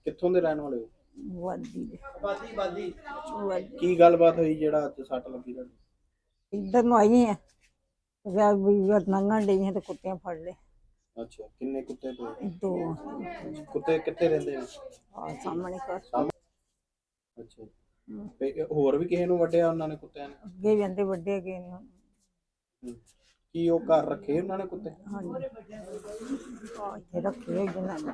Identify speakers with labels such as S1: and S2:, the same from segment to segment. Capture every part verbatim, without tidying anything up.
S1: ਕਿੱਥੋਂ ਦੇ ਰਹਿਣ ਵਾਲੇ ਹੋ?
S2: ਵਾਦੀ ਦੇ
S1: ਬਾਦੀ ਬਾਦੀ
S2: ਵਾਦੀ
S1: ਕੀ ਗੱਲਬਾਤ ਹੋਈ ਜਿਹੜਾ ਅੱਜ ਸੱਟ ਲੱਗੀ ਤੁਹਾਨੂੰ?
S2: ਇੱਧਰ ਨੂੰ ਆਈ ਆ ਰਾਤ ਵੀ ਨੰਗਣ ਡਈ ਹੈ ਤੇ ਕੁੱਤਿਆਂ ਫੜ ਲਏ
S1: ਅੱਛਾ, ਕਿੰਨੇ ਕੁੱਤੇ ਪਏ?
S2: ਦੋ
S1: ਕੁੱਤੇ ਕਿੱਥੇ ਰਹਿੰਦੇ ਨੇ?
S2: ਆ ਸਾਹਮਣੇ ਘਰ
S1: ਅੱਛਾ, ਤੇ ਹੋਰ ਵੀ ਕਿਸੇ ਨੂੰ ਵੱਢਿਆ ਉਹਨਾਂ ਨੇ ਕੁੱਤਿਆਂ ਨੇ?
S2: ਅੱਗੇ ਵੀ ਆਂਦੇ ਵੱਡੇ ਗਏ ਨੇ ਹੁਣ।
S1: ਹੂੰ। ਕੀ ਉਹ ਘਰ ਰੱਖੇ ਉਹਨਾਂ ਨੇ ਕੁੱਤੇ?
S2: ਹਾਂਜੀ ਆ ਇੱਥੇ ਰੱਖੇ ਹੋਏ ਜਨਾਂ ਨੇ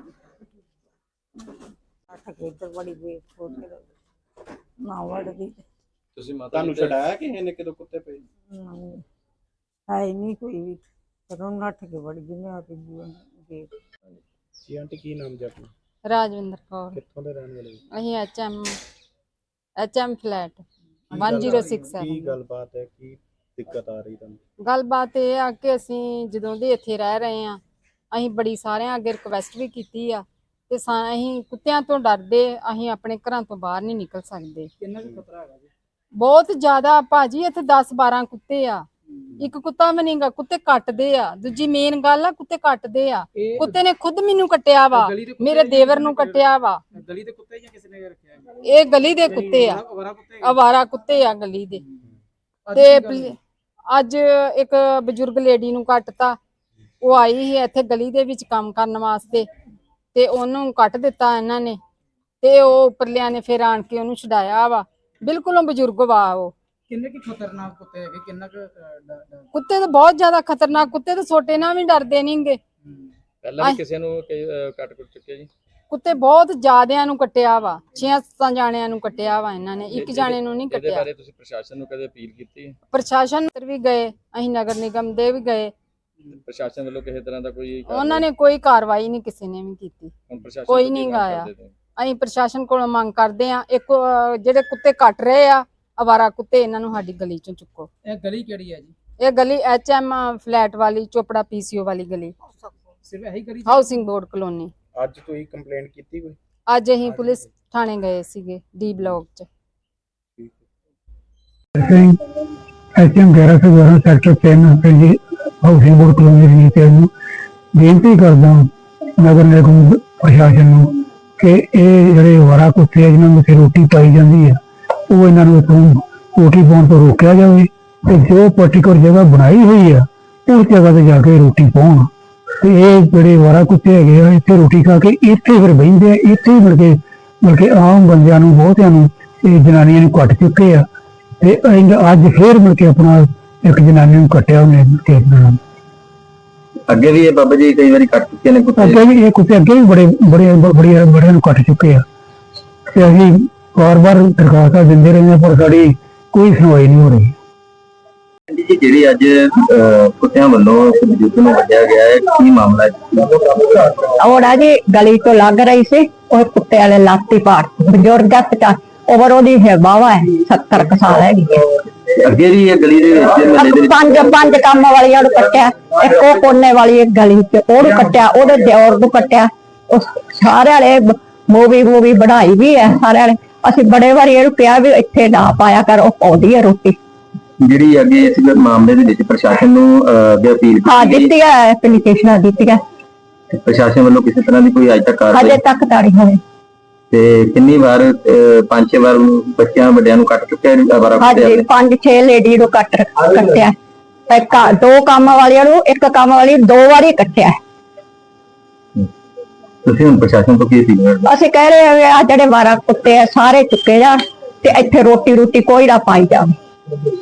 S2: ਆਟਾ ਕੇ ਇੱਧਰ ਬੜੀ ਵੇਟ ਹੋ ਕੇ ਨਾ ਵੜਦੀ
S3: ਤੁਸੀਂ ਮਾਤਾ
S1: ਤੁਹਾਨੂੰ ਛਡਾਇਆ ਕਿਸੇ ਨੇ ਕਿਦੋਂ ਕੁੱਤੇ ਪਏ?
S2: ਨਹੀਂ ਹੈ ਨਹੀਂ ਕੋਈ ਵੀ ਪਰ ਨੱਠ ਕੇ ਵੜ ਗਈ ਮੈਂ ਆ ਕੇ ਗੇਟ।
S1: ਜੀ ਆਂਟੀ, ਕੀ ਨਾਮ ਜੀ ਆਪਣਾ?
S4: ਰਾਜਵਿੰਦਰ ਕੌਰ।
S1: ਕਿੱਥੋਂ ਦੇ ਰਹਿਣ ਵਾਲੇ ਹੋ?
S4: ਅਸੀਂ H M H M flat ਇੱਕ ਜ਼ੀਰੋ ਛੇ ਸੱਤ।
S1: ਕੀ ਗੱਲਬਾਤ ਹੈ, ਕੀ ਦਿੱਕਤ ਆ ਰਹੀ ਤੁਹਾਨੂੰ?
S4: ਗੱਲਬਾਤ ਇਹ ਆ ਕਿ ਅਸੀਂ ਜਦੋਂ ਦੇ ਇੱਥੇ ਰਹਿ ਰਹੇ ਆ, ਅਸੀਂ ਬੜੀ ਸਾਰਿਆਂ ਅੱਗੇ ਰਿਕਵੈਸਟ ਵੀ ਕੀਤੀ ਆ ਤੇ ਸਾ ਅਸੀਂ ਕੁੱਤਿਆਂ ਤੋਂ ਡਰਦੇ ਅਸੀਂ ਆਪਣੇ ਘਰਾਂ ਤੋਂ ਬਾਹਰ ਨਹੀਂ ਨਿਕਲ ਸਕਦੇ।
S1: ਕਿੰਨਾ ਕੁ ਖਤਰਾ ਹੈਗਾ ਜੀ?
S4: ਬਹੁਤ ਜ਼ਿਆਦਾ ਭਾਜੀ, ਇੱਥੇ ਦਸ ਬਾਰਾਂ ਕੁੱਤੇ ਆ, ਇੱਕ ਕੁੱਤਾ ਵੀ ਨਹੀਂਗਾ, ਕੁੱਤੇ ਕੱਟਦੇ ਆ। ਦੂਜੀ ਮੇਨ ਗੱਲ ਆ, ਕੁੱਤੇ ਕੱਟਦੇ ਆ। ਕੁੱਤੇ ਨੇ ਖੁਦ ਮੈਨੂੰ ਕੱਟਿਆ ਵਾ, ਮੇਰੇ ਦੇਵਰ ਨੂੰ ਕੱਟਿਆ ਵਾ।
S1: ਗਲੀ ਦੇ ਕੁੱਤੇ ਜਾਂ ਕਿਸੇ ਨੇ ਰੱਖਿਆ?
S4: ਇਹ ਗਲੀ ਦੇ ਕੁੱਤੇ ਆ, ਅਵਾਰਾ ਕੁੱਤੇ ਆ ਗਲੀ ਦੇ। ਤੇ ਅੱਜ ਇੱਕ ਬਜ਼ੁਰਗ ਲੇਡੀ ਨੂੰ ਕੱਟਤਾ, ਉਹ ਆਈ ਸੀ ਇੱਥੇ ਗਲੀ ਦੇ ਵਿੱਚ ਕੰਮ ਕਰਨ ਵਾਸਤੇ ਤੇ ਉਹਨੂੰ ਕੱਟ ਦਿੱਤਾ ਇਹਨਾਂ ਨੇ ਤੇ ਉਹ ਉੱਪਰਲਿਆਂ ਨੇ ਫਿਰ ਆਣ ਕੇ ਉਹਨੂੰ ਛਡਾਇਆ ਵਾ। ਬਿਲਕੁਲ ਬਜ਼ੁਰਗ ਵਾ ਉਹ।
S5: ਕਿੰਨੇ ਕੀ ਖਤਰਨਾਕ ਕੁੱਤੇ ਹੈਗੇ? ਕਿੰਨਾ ਕੁ
S4: ਕੁੱਤੇ ਤਾਂ ਬਹੁਤ ਜ਼ਿਆਦਾ ਖਤਰਨਾਕ, ਕੁੱਤੇ ਤਾਂ ਛੋਟੇ ਨਾਲ ਵੀ ਡਰਦੇ ਨਹੀਂਗੇ।
S3: ਪਹਿਲਾਂ ਵੀ ਕਿਸੇ ਨੂੰ ਕੱਟ ਕੁੱਟ ਚੁੱਕਿਆ ਜੀ?
S4: ਕੁੱਤੇ ਬਹੁਤ ਜ਼ਿਆਦਿਆਂ ਨੂੰ ਕੱਟਿਆ ਵਾ, ਛੇ ਸੱਤਾਂ ਜਾਣਿਆਂ ਨੂੰ ਕੱਟਿਆ ਵਾ ਇਹਨਾਂ ਨੇ, ਇੱਕ ਜਾਣੇ ਨੂੰ ਨਹੀਂ
S3: ਇਹਦੇ
S4: ਕੱਟਿਆ।
S3: ਬਾਰੇ ਤੁਸੀਂ ਪ੍ਰਸ਼ਾਸਨ ਨੂੰ ਕਦੇ ਅਪੀਲ ਕੀਤੀ?
S4: ਪ੍ਰਸ਼ਾਸਨ ਅੰਦਰ ਵੀ ਗਏ, ਅਸੀਂ ਨਗਰ ਨਿਗਮ ਦੇ ਵੀ ਗਏ,
S3: ਪ੍ਰਸ਼ਾਸਨ ਵੱਲੋਂ ਕਿਸੇ ਤਰ੍ਹਾਂ ਦਾ ਕੋਈ
S4: ਉਹਨਾਂ ਨੇ ਕੋਈ ਕਾਰਵਾਈ ਨਹੀਂ ਕਿਸੇ ਨੇ ਵੀ ਕੀਤੀ।
S3: ਹੁਣ ਪ੍ਰਸ਼ਾਸਨ
S4: ਕੋਈ
S3: ਤੋਂ ਕੀ
S4: ਨਹੀਂ
S3: ਮੰਗ
S4: ਗਾਇਆ।
S3: ਕਰਦੇ ਤੁਸੀਂ?
S4: ਅਸੀਂ ਪ੍ਰਸ਼ਾਸਨ ਕੋਲੋਂ ਮੰਗ ਕਰਦੇ ਆ, ਇੱਕ ਅਹ, ਜਿਹੜੇ ਕੁੱਤੇ ਕੱਟ ਰਹੇ ਆ ਅਵਾਰਾ ਕੁੱਤੇ, ਇਹਨਾਂ ਨੂੰ ਸਾਡੀ ਗਲੀ ਚੋਂ ਚੁੱਕੋ।
S5: ਇਹ ਗਲੀ ਕਿਹੜੀ ਹੈ ਜੀ?
S4: ਇਹ ਗਲੀ ਐਚ ਐਮ ਫਲੈਟ ਵਾਲੀ, ਚੋਪੜਾ ਪੀਸੀਓ ਵਾਲੀ ਗਲੀ,
S5: ਸਿਰਫ ਇਹੀ ਗਲੀ?
S4: Housing board colony.
S1: ਅੱਜ ਤੁਸੀਂ ਕੰਪਲੇਂਟ ਕੀਤੀ ਕੋਈ?
S4: ਅੱਜ ਅਸੀਂ ਪੁਲਿਸ ਥਾਣੇ ਗਏ ਸੀਗੇ ਡੀ ਬਲਾਕ ਚ।
S6: ਐਚਐਮ ਗਿਆਰਾਂ ਸੌ ਬਾਰਾਂ ਸੈਕਟਰ ਤਿੰਨ ਪਿੰਡ ਹਾਊਸਿੰਗ ਬੋਰਡ ਕਲੋਨੀ ਦੀ ਤੇ ਨੂੰ ਬੇਨਤੀ ਕਰਦਾ ਨਗਰ ਨਿਗਮ ਪ੍ਰਸ਼ਾਸਨ ਨੂੰ ਕਿ ਇਹ ਜਿਹੜੇ ਅਵਾਰਾ ਕੁੱਤੇ ਆ ਜਿਨ੍ਹਾਂ ਨੂੰ ਇੱਥੇ ਰੋਟੀ ਪਾਈ ਜਾਂਦੀ ਹੈ, ਉਹ ਇਹਨਾਂ ਨੂੰ ਇੱਥੋਂ ਰੋਟੀ ਪਾਉਣ ਤੋਂ ਰੋਕਿਆ ਜਾਵੇ ਤੇ ਜੋ ਪਰਟੀਕੁਲਰ ਜਗ੍ਹਾ ਬਣਾਈ ਹੋਈ ਆ ਉਸ ਜਗ੍ਹਾ ਤੇ ਜਾ ਕੇ ਰੋਟੀ ਪਾਉਣ। ਤੇ ਇਹ ਜਿਹੜੇ ਅਵਾਰਾ ਕੁੱਤੇ ਹੈਗੇ ਆ ਇੱਥੇ ਰੋਟੀ ਖਾ ਕੇ ਇੱਥੇ ਫਿਰ ਬਹਿੰਦੇ ਆ, ਇੱਥੇ ਹੀ ਮਿਲ ਕੇ ਮਿਲ ਕੇ ਆਮ ਬੰਦਿਆਂ ਨੂੰ, ਬਹੁਤਿਆਂ ਨੂੰ, ਇਹ ਜਨਾਨੀਆਂ ਨੂੰ ਕੱਟ ਚੁੱਕੇ ਆ ਤੇ ਅੱਜ ਫੇਰ ਮਿਲ ਕੇ ਆਪਣਾ ਇੱਕ ਜਨਾਨੀ ਨੂੰ ਕੱਟਿਆ ਉਹਨੇ।
S7: ਅੱਗੇ ਵੀ ਇਹ ਬਾਬਾ ਜੀ ਕਈ ਵਾਰੀ ਕੱਟ ਚੁੱਕੇ ਨੇ ਕੁੱਤੇ?
S6: ਅੱਗੇ ਵੀ ਇਹ ਕੁੱਤੇ ਅੱਗੇ ਵੀ ਬੜੇ ਬੜੇ ਬੜੇ ਬੜਿਆਂ ਨੂੰ ਕੱਟ ਚੁੱਕੇ ਆ ਤੇ ਅਸੀਂ ਵਾਰ ਵਾਰ ਦਰਖਾਸਤਾਂ ਦਿੰਦੇ ਰਹੇ ਹਾਂ ਪਰ ਸਾਡੀ ਕੋਈ ਸੁਣਵਾਈ ਨਹੀਂ ਹੋ ਰਹੀ।
S7: ਜੀ ਜਿਹੜੀ ਅੱਜ ਕੁੱਤਿਆਂ ਵੱਲੋਂ ਬਜ਼ੁਰਗ ਨੂੰ ਵੱਢਿਆ ਗਿਆ ਹੈ, ਕੀ ਮਾਮਲਾ ਹੈ?
S8: ਔੜਾ ਜੀ ਗਲੀ ਤੋਂ ਲੱਗ ਰਹੀ ਸੀ, ਉਹ ਕੁੱਤੇ ਵਾਲੇ ਲਾਤੀ ਪਾੜ ਬਜ਼ੁਰਗ ਦਾ ਉਮਰ ਉਹਦੀ ਹੈ ਬਾਵਾ ਹੈ, ਸੱਤਰ ਕੁ ਸਾਲ ਹੈਗੀ।
S7: ਅੱਗੇ ਵੀ ਇਹ ਗਲੀ ਦੇ ਵਿੱਚ ਮਹੱਲੇ ਦੇ
S8: ਪੰਜ ਪੰਜ ਕੰਮ ਵਾਲੀਆਂ ਨੂੰ ਕੱਟਿਆ, ਇੱਕ ਉਹ ਕੋਨੇ ਵਾਲੀ ਇੱਕ ਗਲੀ ਚ ਉਹਨੂੰ ਕੱਟਿਆ, ਉਹਦੇ ਦਿਓਰ ਨੂੰ ਕੱਟਿਆ। ਉਹ ਸਾਰੇ ਵਾਲੇ ਮੂਵੀ ਮੂਵੀ ਬਣਾਈ ਵੀ ਹੈ ਸਾਰੇ ਵਾਲੇ। ਅਸੀਂ ਬੜੇ ਵਾਰੀ ਇਹਨੂੰ ਕਿਹਾ ਵੀ ਇੱਥੇ ਨਾ ਪਾਇਆ ਕਰ, ਉਹ ਪਾਉਂਦੀ ਹੈ ਰੋਟੀ।
S7: ਜਿਹੜੀ ਅੱਗੇ ਇਸ ਮਾਮਲੇ ਦੇ ਵਿੱਚ ਪ੍ਰਸ਼ਾਸਨ ਨੂੰ ਅੱਗੇ ਅਪੀਲ
S8: ਹਾਂ ਦਿੱਤੀ ਹੈ, ਐਪਲੀਕੇਸ਼ਨਾਂ ਦਿੱਤੀਆਂ।
S7: ਪ੍ਰਸ਼ਾਸਨ ਵੱਲੋਂ ਕਿਸੇ ਤਰ੍ਹਾਂ ਦੀ ਕੋਈ ਅੱਜ ਤੱਕ ਕਾਰਵਾਈ
S8: ਹਜੇ ਤੱਕ ਤਾਂ ਨਹੀਂ ਹੋਈ।
S7: ਤੇ ਕਿੰਨੀ ਵਾਰ ਪੰਜ ਛੇ ਵਾਰ ਬੱਚਿਆਂ ਵੱਡਿਆਂ ਨੂੰ ਕੱਟ ਚੁੱਕਿਆ?
S8: ਹਾਂਜੀ, ਪੰਜ ਛੇ ਲੇਡੀ ਨੂੰ ਕੱਟ ਕੱਟਿਆ, ਇੱਕ ਦੋ ਕੰਮ ਵਾਲੀਆਂ ਨੂੰ, ਇੱਕ ਕੰਮ ਵਾਲੀ ਦੋ ਵਾਰੀ ਕੱਟਿਆ।
S7: ਤੁਸੀਂ ਹੁਣ ਪ੍ਰਸ਼ਾਸਨ ਤੋਂ ਕੀ ਅਪੀਲ ਕਰਦੇ?
S8: ਅਸੀਂ ਕਹਿ ਰਹੇ ਹਾਂ ਆ ਜਿਹੜੇ ਬਾਰਾਂ ਕੁੱਤੇ ਆ ਸਾਰੇ ਚੁੱਕੇ ਜਾਣ ਤੇ ਇੱਥੇ ਰੋਟੀ ਰੋਟੀ ਕੋਈ ਨਾ ਪਾਈ ਜਾਵੇ।